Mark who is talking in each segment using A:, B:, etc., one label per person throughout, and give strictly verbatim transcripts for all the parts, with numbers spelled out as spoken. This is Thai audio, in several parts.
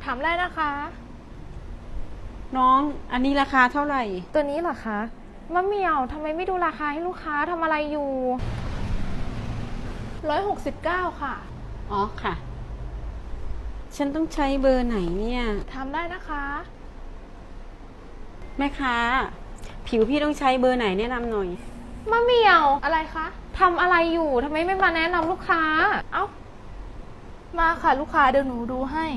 A: ามได้นะคะ
B: น้องอันนี้ราคาเท่าไหร่
A: ตัวนี้เหรอคะมะเหมี่ยวทำไมไม่ดูราคาให้ลูกค้าทำอะไรอยู่ร้อยหกสิบเก้าค่ะ
B: อ๋อค่ะ ฉันต้องใช้เบอร์ไหนเนี่ย
A: ทำได้นะคะ
B: แม่ค้าผิวพี่ต้องใช้เบอร์ไหนแนะนำหน่อย
A: มะเหมี่ยวอะไรคะทำอะไรอยู่ทำไมไม่มาแนะนำลูกค้า เอ้ามาค่ะลูกค้าเดี๋ยวหนูดูให้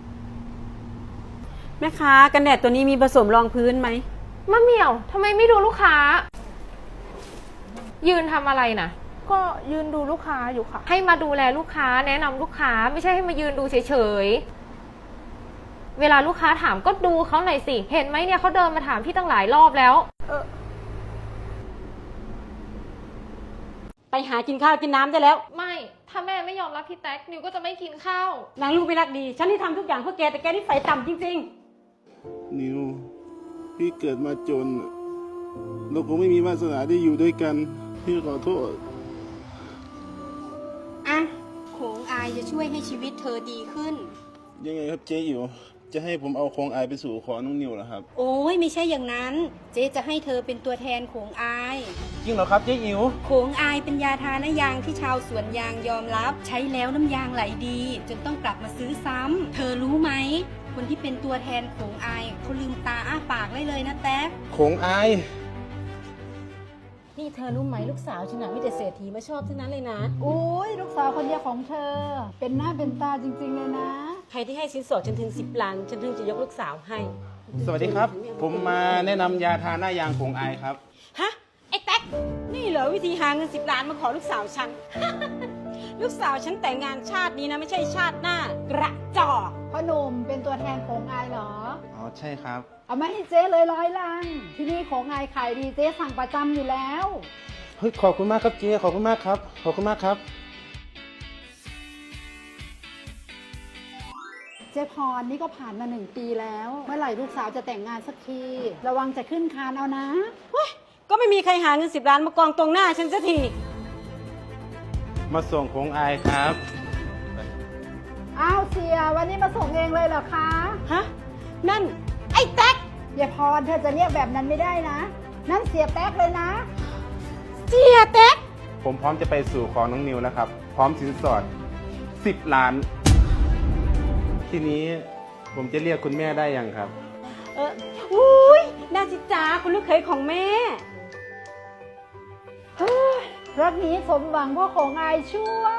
B: แม่ค้ากันแดดตัวนี้มีผสมรองพื้นไหม
A: มะเหมี่ยวทำไมไม่ดูลูกค้า ยืนทำอะไรนะก็ยืนดูลูกค้าอยู่ค่ะ ให้มาดูแลลูกค้าแนะนำลูกค้าไม่ใช่ให้มายืนดูเฉยๆเวลาลูกค้าถามก็ดูเขาหน่อยสิเห็นไหมเนี่ยเขาเดินมาถามพี่ตั้งหลายรอบแล้วเออ
B: ไปหากินข้าวกินน้ำได้แล้ว
A: ไม่ถ้าแม่ไม่ยอมรับพี่แท็กนิวก็จะไม่กินข้าวน
B: างลูกไม่รักดี ฉันที่ทำทุกอย่างเพื่อแกแต่แกนี่ใส่ต่ำจริงๆ
C: นิวพี่เกิดมาจน เราคงไม่มีวาสนาได้อยู่ด้วยกัน พี่ขอโทษ
D: อ่ะโขงอายจะช่วยให้ชีวิตเธอดีขึ้น
C: ยังไงครับเจ๊อิ๋วจะให้ผมเอาโครงอายไปสู่ขอน้องนิวเหรอครับ
D: โอ้ยไม่ใช่อย่างนั้น เจ๊จะให้เธอเป็นตัวแทนโขงอาย
C: จริงเหรอครับเจ๊อิ๋ว
D: โขงอายเป็นยาทาน้ายางที่ชาวสวนยางยอมรับ ใช้แล้วน้ำยางไหลดี จนต้องกลับมาซื้อซ้ำเธอรู้ไหม คนที่เป็นตัวแทนโขงอายเขาลืมตาอ้าปากได้เลยนะแต๊ก
C: โครงอาย
B: นี่เธอรู้ไหมลูกสาวฉันน่ะมีแต่เศรษฐีมาชอบทั้งนั้นเลยนะ
E: โอ้ยลูกสาวคนเดียวของเธอ เป็นหน้าเป็นตาจริงๆเลยนะ
B: ใครที่ให้สินสอดฉันถึงสิบล้านฉันถึงจะยกลูกสาวให้
C: สวัสดีครับ ผมมาแนะนำยาทาหน้ายางโครงอายครับ
B: ฮะ ไอ้แท็กนี่เหรอวิธีหาเงินสิบล้านมาขอลูกสาวฉัน ลูกสาวฉันแต่งงานชาตินี้นะไม่ใช่ชาติหน้ากระจอก
E: พ่อหนุ่มเป็นตัวแทนของอายเหรอ
C: อ๋อใช่ครับ
E: เอามาให้เจ๊เลยร้อยลัง ที่นี่ของอายขายดีเจ๊สั่งประจำอยู่แล้ว
C: เฮ้ยขอบคุณมากครับเจ๊ขอบคุณมากครับ ขอบคุณมากครับ
E: เจ๊พรนี่ก็ผ่านมาหนึ่งปีแล้ว เมื่อไหร่ลูกสาวจะแต่งงานสักที ระวังจะขึ้นคานเอานะ
B: ก็ไม่มีใครหาเงินสิบล้านมากองตรงหน้าฉันสักที
C: มาส่งโครงอายครับ
E: อ้าวเสียวันนี้มาส่งเองเลยเหรอคะ
B: ฮะ นั่น ไอ้แท็ก
E: เจ๊พรเธอจะเรียกแบบนั้นไม่ได้นะ นั่นเสียแป๊กเลยนะ
B: เสียแท็ก
C: ผมพร้อมจะไปสู่ขอน้องนิวแล้วครับ พร้อมสินสอดสิบล้าน ทีนี้ผมจะเรียกคุณแม่ได้ยังครับ
B: เอออุ้ยน่าจิจ้าคุณลูกเขยของแม่
E: เฮ้ยรักนี้สมหวังเพราะของอายช่วย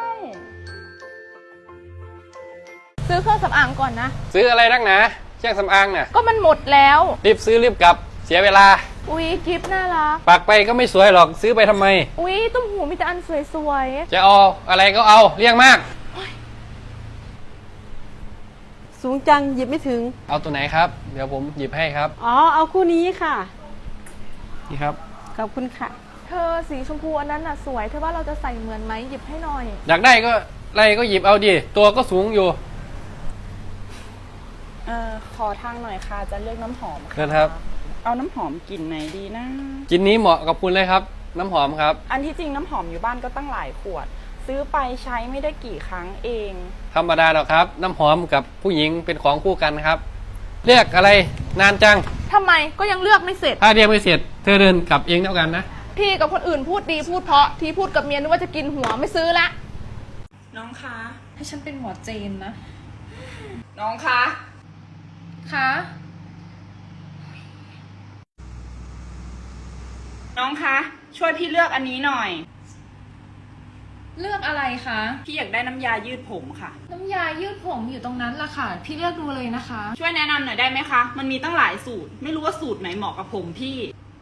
A: ซื้อเครื่องสำอางก่อนนะ
F: ซื้ออะไรนักหนาเครื่องสำอางน่ะ
A: ก็มันหมดแล้ว
F: รีบซื้อรีบกลับ เสียเวลา
A: อุ๊ยกิฟต์น่ารัก
F: ปากไปก็ไม่สวยหรอกซื้อไปทำไม
A: อุ๊ยตุ้มหูมีแต่อันสวย
F: จะเอาอะไรก็เอาเลี่ยงมาก
B: สูงจังหยิบไม่ถึง
F: เอาตัวไหนครับ เดี๋ยวผมหยิบให้ครับ
B: อ๋อ เอาคู่นี้ค่ะ
F: นี่ครับ
B: ขอบคุณค่ะ
A: ๆเธอสีชมพูอันนั้นน่ะสวยเธอว่าเราจะใส่เหมือนไหมหยิบให้หน่อย
F: อยากได้ก็อะไรก็หยิบเอาดิตัวก็สูงอยู่
G: เอ่อขอทางหน่อยค่ะ จะเลือกน้ำหอม
F: เชิญครับ
G: เอาน้ำหอมกลิ่นไหนดีนะ
F: กินนี้เหมาะกับคุณเลยครับ น้ำหอมครับ
G: อันที่จริงน้ำหอมอยู่บ้านก็ตั้งหลายขวด ซื้อไปใช้ไม่ได้กี่ครั้งเอง
F: ธรรมดาหรอกครับ น้ำหอมกับผู้หญิงเป็นของคู่กันครับ เรียกอะไรนานจัง
A: ทำไมก็ยังเลือกไม่เสร็จ
F: ถ้าเรียกไม่เสร็จเธอเดินกลับเองแล้วกันนะ
A: พี่กับคนอื่นพูดดีพูดเพราะที่พูดกับเมียนึกว่าจะกินหัวไม่ซื้อละ
G: น้องคะ
A: ให้ฉันเป็นหมอเจนนะ
G: น้องคะ
A: คะ
G: น้องคะ ช่วยพี่เลือกอันนี้หน่อย
A: เลือกอะไรคะ
G: พี่อยากได้น้ำยายืดผมค่ะ
A: น้ำยายืดผมอยู่ตรงนั้นล่ะค่ะ พี่เลือกดูเลยนะคะ
G: ช่วยแนะนำหน่อยได้ไหมคะ มันมีตั้งหลายสูตร ไม่รู้ว่าสูตรไหนเหมาะกับผมพี่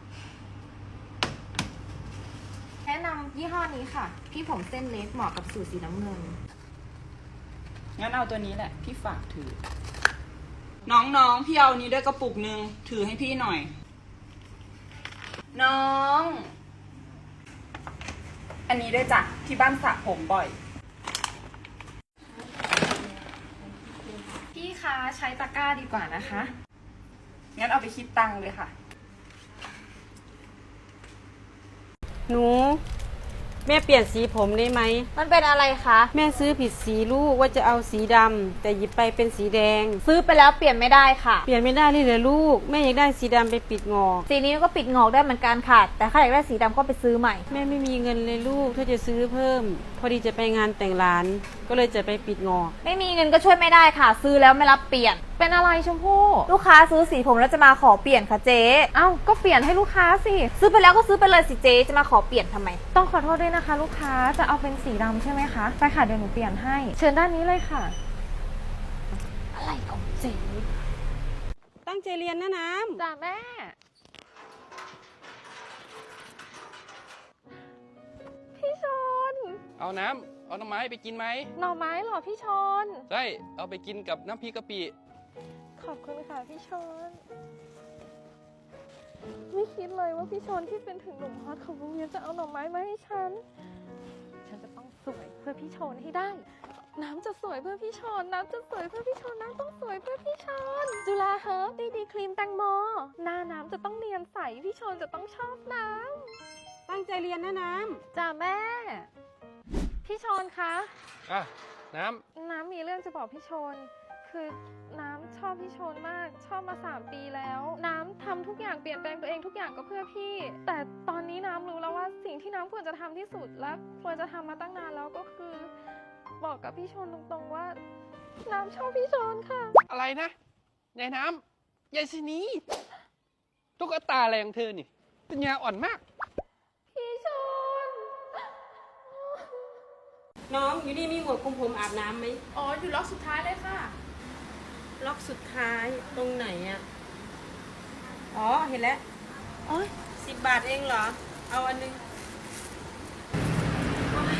A: แนะนำยี่ห้อนี้ค่ะ พี่ผมเส้นเล็กเหมาะกับสูตรสีน้ำเงิน
G: งั้นเอาตัวนี้แหละ พี่ฝากถือ น้องๆ พี่เอานี้ด้วยกระปุกหนึ่งถือให้พี่หน่อย น้อง อันนี้ด้วยจ้ะที่บ้านสระผมบ่อย
A: พี่คะใช้ตะกร้าดีกว่านะคะ
G: งั้นเอาไปคิดตังค์เลยค่ะ
B: หนูแม่เปลี่ยนสีผมได้ไหม
A: มันเป็นอะไรคะ
B: แม่ซื้อผิดสีลูกว่าจะเอาสีดำแต่หยิบไปเป็นสีแดง
A: ซื้อไปแล้วเปลี่ยนไม่ได้ค่ะ
B: เปลี่ยนไม่ได้เลยเหรอลูก แม่อยากได้สีดำไปปิดงอก
A: สีนี้ก็ปิดงอกได้เหมือนกันค่ะ แต่ถ้าอยากได้สีดำก็ไปซื้อใหม่
B: แม่ไม่มีเงินเลยลูกถ้าจะซื้อเพิ่ม พอดีจะไปงานแต่งร้าน ก็เลยจะไปปิดงอก
A: ไม่มีเงินก็ช่วยไม่ได้ค่ะ ซื้อแล้วไม่รับเปลี่ยน เป็นอะไรชมพู่ลูกค้าซื้อสีผมแล้วจะมาขอเปลี่ยนค่ะเจ๊เอ้าก็เปลี่ยนให้ลูกค้าสิซื้อไปแล้วก็ซื้อไปเลยสิเจ๊จะมาขอเปลี่ยนทำไมต้องขอโทษด้วยนะคะ ลูกค้าจะเอาเป็นสีดำใช่ไหมคะไปค่ะเดี๋ยวหนูเปลี่ยนให้เชิญด้านนี้เลยค่ะอะไรของเจ๊
B: ตั้งใจเรียนนะน้ำ
A: จ้าแม่พี่ชน
F: เอาน้ำเอาหน่อไม้ไปกินไหม
A: หน่อไม้เหรอพี่ชน
F: ใช่เอาไปกินกับน้ำพริกกะปิ
A: ขอบคุณค่ะพี่ชน ไม่คิดเลยว่าพี่ชนที่เป็นถึงหนุ่มฮอตของโรงเรียนจะเอาหน่อไม้มาให้ฉัน ฉันจะต้องสวยเพื่อพี่ชนให้ได้ น้ำจะสวยเพื่อพี่ชน น้ำจะสวยเพื่อพี่ชน น้ำต้องสวยเพื่อพี่ชน จุฬาเฮิร์บดีดีครีมแตงโม หน้าน้ำจะต้องเนียนใส พี่ชนจะต้องชอบน้ำ
B: ตั้งใจเรียนนะน้
A: จ้าแม่ พี่ชนคะ
F: อ่ะน้
A: น้ำมีเรื่องจะบอกพี่ชน คือน้ำชอบพี่ชนมาก ชอบมาสามปีแล้ว น้ำทำทุกอย่างเปลี่ยนแปลงตัวเองทุกอย่างก็เพื่อพี่ แต่ตอนนี้น้ำรู้แล้วว่าสิ่งที่น้ำควรจะทำที่สุดและควรจะทำมาตั้งนานแล้วก็คือ บอกกับพี่ชนตรงๆว่า น้ำชอบพี่ชนค่ะ
F: ำอะไรนะยายน้ำยายสินีตุ๊กตาอะไรของเธอนี่ปัญญาอ่อนมาก
A: พี่ชน
B: ำน้องอยู่นี่มีหัวคุมผมอาบน้ำไหม
A: อ๋ออยู่ล็อกสุดท้ายเลยค่ะ
B: ล็อกสุดท้ายตรงไหนอะอ๋อเห็นแล้วโอ้ยสิบบาทเองเหรอ เอาอันนึงโอ๊ย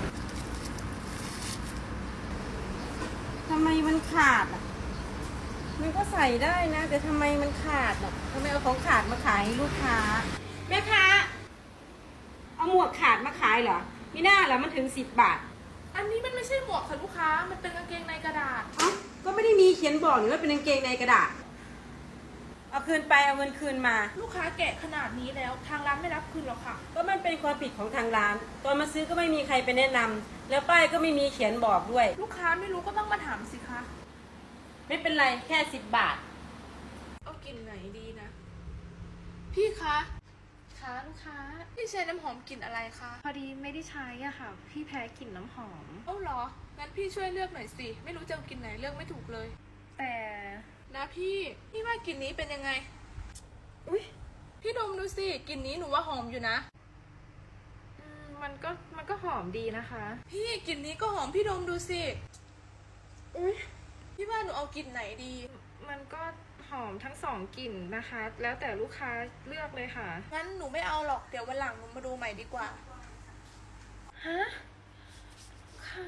B: ทำไมมันขาดอ่ะ มันก็ใส่ได้นะ แต่ทำไมมันขาดอ่ะทำไมเอาของขาดมาขายให้ลูกค้า แม่ค้าเอาหมวกขาดมาขายเหรอมีหน้าเหรอมันถึงสิบบาท
H: อันนี้มันไม่ใช่หมวกค่ะลูกค้า มันเป็นกางเกงในกระดาษ
B: เอ้าก็ไม่ได้มีเขียนบอกนี่ว่าเป็นกางเกงในกระดาษ เอาคืนไปเอาเงินคืนมา
H: ลูกค้าแกะขนาดนี้แล้วทางร้านไม่รับคืนหรอกค่ะ
B: ก็มันเป็นความผิดของทางร้าน ตอนมาซื้อก็ไม่มีใครไปแนะนำแล้วป้ายก็ไม่มีเขียนบอกด้วย
H: ลูกค้าไม่รู้ก็ต้องมาถามสิคะ
B: ไม่เป็นไรแค่สิบบาท
H: เอากลิ่นไหนดีนะ พี่คะ
A: ค่ะลูกค้า
H: พี่ใช้น้ำหอมกลิ่นอะไรคะ
A: พอดีไม่ได้ใช้อะค่ะ พี่แพ้กลิ่นน้ำหอม
H: เอ้าเหรอ งั้นพี่ช่วยเลือกหน่อยสิ ไม่รู้จะเอากลิ่นไหนเลือกไม่ถูกเลย
A: แต่
H: นะพี่ พี่ว่ากลิ่นนี้เป็นยังไง อุ้ยพี่ดมดูสิ กลิ่นนี้หนูว่าหอมอยู่นะ
A: อืมมันก็มันก็หอมดีนะคะ
H: พี่กลิ่นนี้ก็หอมพี่ดมดูสิ อุ้ยพี่ว่าหนูเอากลิ่นไหนดี
A: มันก็หอมทั้งสองกลิ่นนะคะ แล้วแต่ลูกค้าเลือกเลยค่ะ
H: งั้นหนูไม่เอาหรอก เดี๋ยววันหลังหนูมาดูใหม่ดีกว่า
A: ฮะค่ะ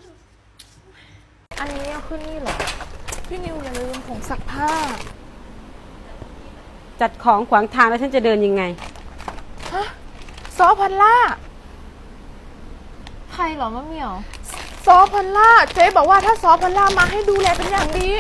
A: อันนี้เอาขึ้นนี่เหรอ
H: พี่นิวอย่าลืมผงซักผ้า
B: จัดของขวางทางแล้วฉันจะเดินยังไง
H: ฮะ ซอพันล่า
A: ใครเหรอมะเหมี่ยว
H: ซอพันล่า เจ๊บอกว่าถ้าซอพันล่ามาให้ดูแลเป็นอย่างดี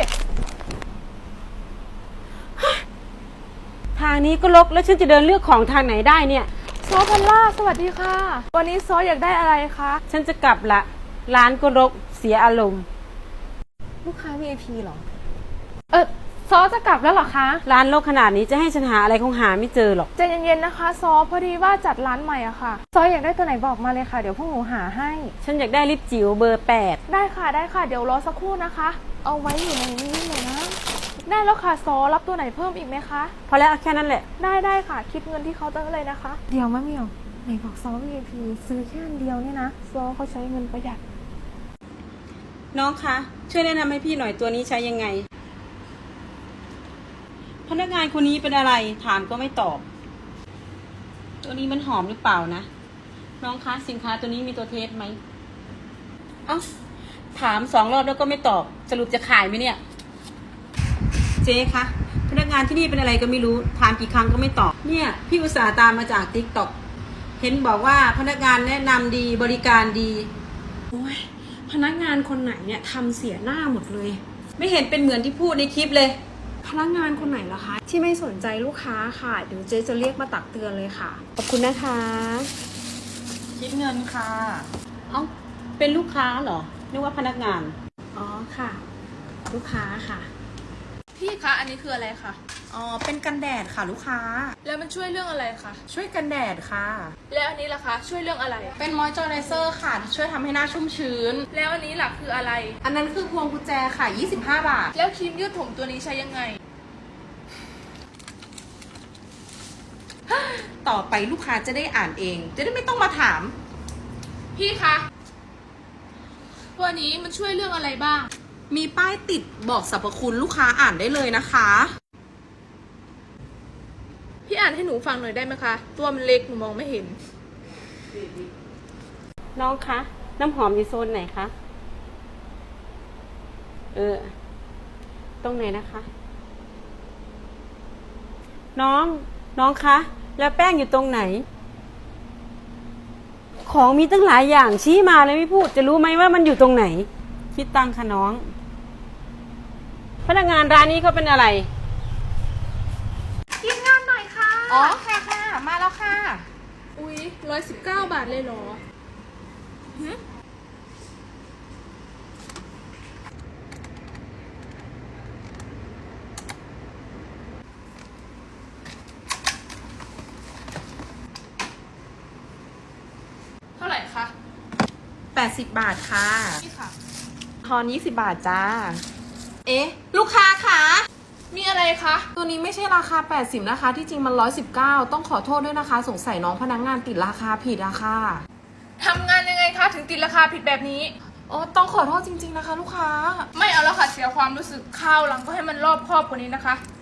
B: ทางนี้ก็รกแล้วฉันจะเดินเลือกของทางไหนได้เนี่ย
H: ซอพันล่า สวัสดีค่ะ วันนี้ซออยากได้อะไรคะ
B: ฉันจะกลับละ ร้านก็รกเสียอารมณ์
A: ลูกค้า วี ไอ พี เหรอ เออซอจะกลับแล้วเหรอคะ
B: ร้านรกขนาดนี้จะให้ฉันหาอะไรคงหาไม่เจอหรอก
H: ใจเย็นๆนะคะ ซอพอดีว่าจัดร้านใหม่อะค่ะ
A: ซออยากได้ตัวไหนบอกมาเลยค่ะ เดี๋ยวพวกหนูหาให้
B: ฉันอยากได้ลิปจิ๋วเบอร์แปด
H: ได้ค่ะได้ค่ะ เดี๋ยวรอสักครู่นะคะ เอาไว้อยู่ในนี้เลยนะ ได้แล้วค่ะ ซอรับตัวไหนเพิ่มอีกไหมคะ
B: พอแล้วเอาแค่นั้นแหละ
H: ได้ได้ค่ะ คิดเงินที่เคาน์เตอร์เลยนะคะ
A: เดี๋ยวมะเหมี่ยวไหนบอกซอ วี ไอ พี ซื้อแค่อันเดียวเนี่ยนะ
H: ซอเขาใช้เงินประหยัด
B: น้องคะช่วยแนะนำให้พี่หน่อยตัวนี้ใช้ยังไง พนักงานคนนี้เป็นอะไรถามก็ไม่ตอบ ตัวนี้มันหอมหรือเปล่านะน้องคะสินค้าตัวนี้มีตัวเทสไหมเอ้าถามสองรอบแล้วก็ไม่ตอบ สรุปจะขายไหมเนี่ย เจ๊คะพนักงานที่นี่เป็นอะไรก็ไม่รู้ถามกี่ครั้งก็ไม่ตอบเนี่ยพี่อุตส่าห์ตามมาจากติ๊กต็อกเห็นบอกว่าพนักงานแนะนำดีบริการดีโอ้ยพนักงานคนไหนเนี่ยทำเสียหน้าหมดเลย ไม่เห็นเป็นเหมือนที่พูดในคลิปเลย
I: พนักงานคนไหนล่ะคะ ที่ไม่สนใจลูกค้าค่ะ เดี๋ยวเจ๊จะเรียกมาตักเตือนเลยค่ะ
B: ขอบคุณนะคะ
G: คิดเงินค่ะ
B: เอ้า เป็นลูกค้าเหรอ นึกว่าพนักงาน
I: อ๋อค่ะ ลูกค้าค่ะ
H: พี่คะอันนี้คืออะไรคะ
G: อ๋อ เป็นกันแดดค่ะลูกค้า
H: แล้วมันช่วยเรื่องอะไรคะ
G: ช่วยกันแดดค่ะ
H: แล้วอันนี้ล่ะคะช่วยเรื่องอะไร
G: เป็นมอยเจอไรเซอร์ค่ะ ช่วยทำให้หน้าชุ่มชื้น
H: แล้วอันนี้ล่ะคืออะไร
G: อันนั้นคือพวงกุญแจค่ะ ยี่สิบห้า บาท
H: แล้วครีมยืดผมตัวนี้ใช้ยังไง
G: ต่อไปลูกค้าจะได้อ่านเอง จะได้ไม่ต้องมาถาม
H: พี่คะตัวนี้มันช่วยเรื่องอะไรบ้าง
G: มีป้ายติดบอกสรรพคุณลูกค้าอ่านได้เลยนะคะ
H: พี่อ่านให้หนูฟังหน่อยได้ไหมคะ ตัวมันเล็กหนูมองไม่เห็น
B: น้องคะ น้ำหอมอยู่โซนไหนคะ เออ ตรงไหนนะคะ น้อง น้องคะ แล้วแป้งอยู่ตรงไหน ของมีตั้งหลายอย่างชี้มาเลยไม่พูด จะรู้ไหมว่ามันอยู่ตรงไหน คิดตังค่ะน้อง พนักงานร้านนี้เขาเป็นอะไร
H: กินงานหน่อยค่ะ
G: อ๋อค่ะค่ะ มาแล้วค่ะ
H: อุ๊ยร้อยสิบเก้าบาทเลยเหรอ เท่าไหร่คะ
G: แปดสิบบาทค่ะ
H: นี่ค่ะ
G: ทอนยี่สิบบาทจ้า เอ๊ะ ลูกค้าคะ
H: มีอะไรคะ
G: ตัวนี้ไม่ใช่ราคาแปดสิบนะคะ ที่จริงมันหนึ่งร้อยสิบเก้า ต้องขอโทษด้วยนะคะ สงสัยน้องพนักงงานติดราคาผิดอะค่ะ
H: ทำงานยังไงคะ ถึงติดราคาผิดแบบนี้
G: โอ้ต้องขอโทษจริงๆนะคะ ลูกค้า
H: ไม่เอาแล้วค่ะ เสียความรู้สึกข้าวหลังก็ให้มันรอบครอบกว่านี้นะคะ